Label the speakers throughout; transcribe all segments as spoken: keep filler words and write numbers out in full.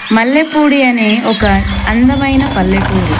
Speaker 1: మల్లెపూడి అనే ఒక అందమైన పల్లెటూరు.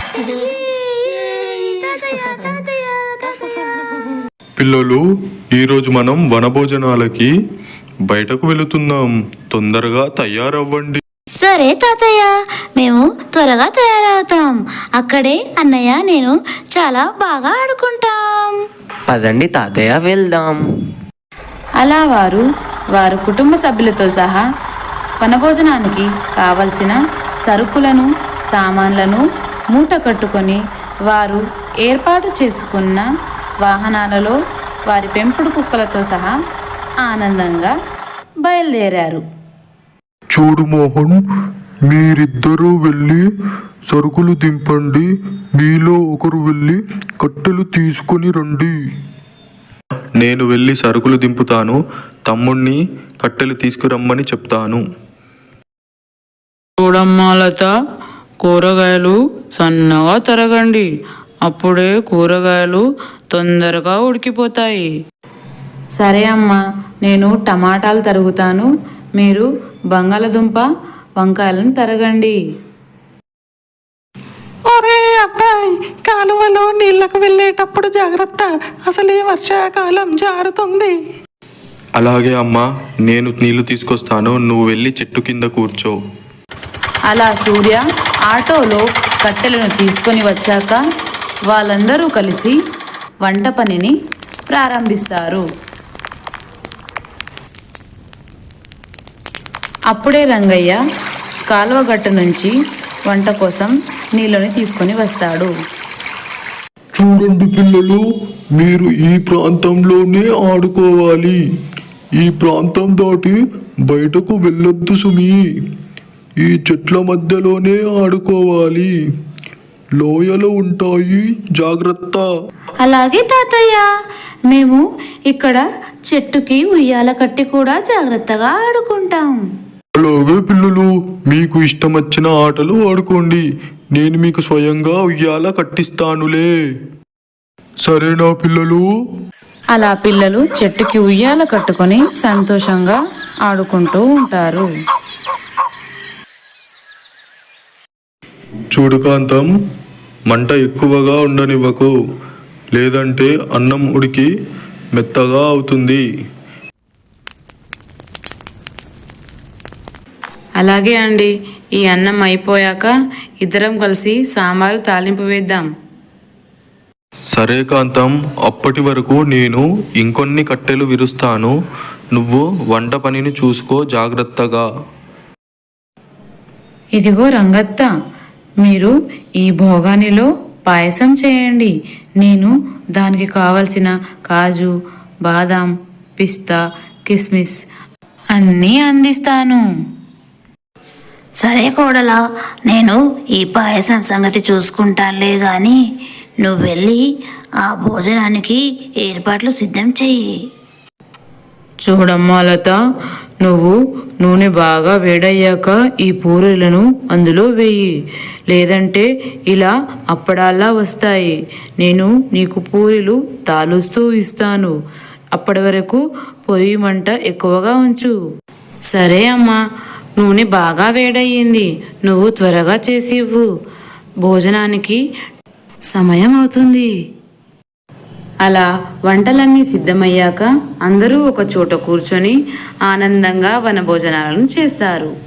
Speaker 2: పిల్లలు, ఈరోజు మనం వనభోజనాలకి బయటకు వెళుతున్నాం. తొందరగా తయారవ్వండి.
Speaker 3: సరే తాతయ్య, మేము త్వరగా తయారవుతాం. అక్కడే అన్నయ్య నేను చాలా బాగా ఆడుకుంటాం.
Speaker 4: పదండి తాతయ్య, వెళ్దాం.
Speaker 1: అలా వారు వారు కుటుంబ సభ్యులతో సహా వనభోజనానికి కావలసిన సరుకులను సామాన్లను మూట కట్టుకొని వారు ఏర్పాటు చేసుకున్న వాహనాలలో వారి పెంపుడు కుక్కలతో సహా ఆనందంగా బయలుదేరారు.
Speaker 2: చూడు మోహన్, మీరిద్దరూ వెళ్ళి సరుకులు దింపండి. మీలో ఒకరు వెళ్ళి కట్టెలు తీసుకొని రండి. నేను వెళ్ళి సరుకులు దింపుతాను. తమ్ముణ్ణి కట్టెలు తీసుకురమ్మని చెప్తాను.
Speaker 5: చూడమ్మా లత, కూరగాయలు సన్నగా తరగండి. అప్పుడే కూరగాయలు తొందరగా ఉడికిపోతాయి.
Speaker 1: సరే అమ్మా, నేను టమాటాలు తరుగుతాను. మీరు బంగాళదుంప వంకాయలను తరగండి.
Speaker 6: ఒరే అబ్బాయి, కాలువలో నీళ్లకు వెళ్ళేటప్పుడు జాగ్రత్త. అసలే వర్షాకాలం జారుతుంది.
Speaker 2: అలాగే అమ్మా, నేను నీళ్లు తీసుకొస్తాను. నువ్వు వెళ్ళి చెట్టు కింద కూర్చో.
Speaker 1: అలా సూర్య ఆటోలో కట్టెలను తీసుకొని వచ్చాక వాళ్ళందరూ కలిసి వంట పనిని ప్రారంభిస్తారు. అప్పుడే రంగయ్య కాలువ గట్టు నుంచి వంట కోసం నీళ్ళని తీసుకొని వస్తాడు.
Speaker 2: చూడండి పిల్లలు, మీరు ఈ ప్రాంతంలోనే ఆడుకోవాలి. ఈ ప్రాంతం దాటి బయటకు వెళ్ళొద్దు సుమి. ఈ చెట్ల మధ్యలోనే ఆడుకోవాలి. లోయలు ఉంటాయి, జాగ్రత్త.
Speaker 3: అలాగే తాతయ్య, మేము ఇక్కడ చెట్టుకి ఉయ్యాల కట్టి కూడా జాగ్రత్తగా ఆడుకుంటాం.
Speaker 2: అలాగే పిల్లలు, మీకు ఇష్టం వచ్చిన ఆటలు ఆడుకోండి. నేను మీకు స్వయంగా ఉయ్యాల కట్టిస్తానులే. సరేనా పిల్లలు?
Speaker 1: అలా పిల్లలు చెట్టుకి ఉయ్యాల కట్టుకొని సంతోషంగా ఆడుకుంటూ ఉంటారు.
Speaker 2: చూడు కాంతం, మంట ఎక్కువగా ఉండనివ్వకు, లేదంటే అన్నం ఉడికి మెత్తగా అవుతుంది.
Speaker 1: అలాగే అండి, ఈ అన్నం అయిపోయాక ఇద్దరం కలిసి సాంబారు తాలింపు వేద్దాం.
Speaker 2: సరే కాంతం, అప్పటి వరకు నేను ఇంకొన్ని కట్టెలు విరుస్తాను. నువ్వు వంట పనిని చూసుకో జాగ్రత్తగా.
Speaker 1: ఇదిగో రంగత్త, మీరు ఈ భోగానిలో పాయసం చేయండి. నేను దానికి కావలసిన కాజు, బాదాం, పిస్తా, కిస్మిస్ అన్నీ అందిస్తాను.
Speaker 3: సరే కోడలా, నేను ఈ పాయసం సంగతి చూసుకుంటానులే గాని నువ్వు వెళ్ళి ఆ భోజనానికి ఏర్పాట్లు సిద్ధం చెయ్యి.
Speaker 5: చూడమ్మా లత, నువ్వు నూనె బాగా వేడయ్యాక ఈ పూరీలను అందులో వేయి. లేదంటే ఇలా అప్పడాల్లా వస్తాయి. నేను నీకు పూరీలు తాలుస్తూ ఇస్తాను. అప్పటి వరకు పొయ్యి మంట ఎక్కువగా ఉంచు.
Speaker 1: సరే అమ్మా, నూనె బాగా వేడయ్యింది. నువ్వు త్వరగా చేసి ఇవ్వు. భోజనానికి సమయం అవుతుంది. అలా వంటలన్నీ సిద్ధమయ్యాక అందరూ ఒక చోట కూర్చొని ఆనందంగా వనభోజనాలను చేస్తారు.